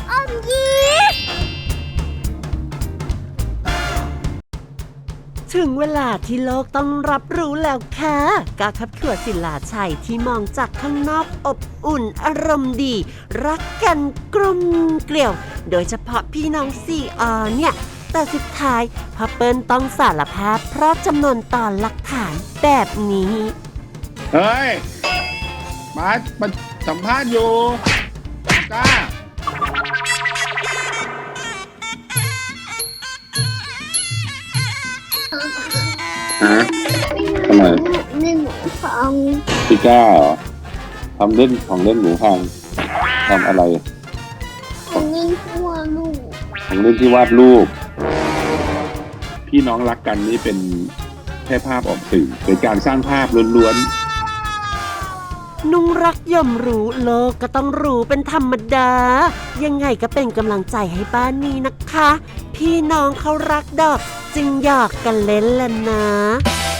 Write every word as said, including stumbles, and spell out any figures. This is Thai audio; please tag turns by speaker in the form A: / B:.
A: อมยิ้มถึงเวลาที่โลกต้องรับรู้แล้วค่ะกาคับขวดศิลาชัยที่มองจากข้างนอกอบอุ่นอารมณ์ดีรักกันกลมเกลียวโดยเฉพาะพี่น้องสี่อเนี่ยแต่สุดท้ายพ่อเปิ้ลต้องสารภาพเพราะจำนวนต่อหลักฐานแบบนี้
B: เฮ้ยมามาสัมภาษณ์อยู่จ้าฮะทำไม
C: เล่นหมูพัง
B: พี่ก้าเหรอทำเล่นของเล่นหมูพังทำอะไร
C: ของเล่นที่วาดรูป
B: ของเล่นที่วาดรูปพี่น้องรักกันนี่เป็นแค่ภาพออกสื่อเป็นการสร้างภาพล้วน
A: ๆนุ่งรักย่อมรู้โลกก็ต้องรู้เป็นธรรมดายังไงก็เป็นกำลังใจให้บ้านนี้นะคะพี่น้องเขารักดอกจึงหยอกกันเล่นแหละนะ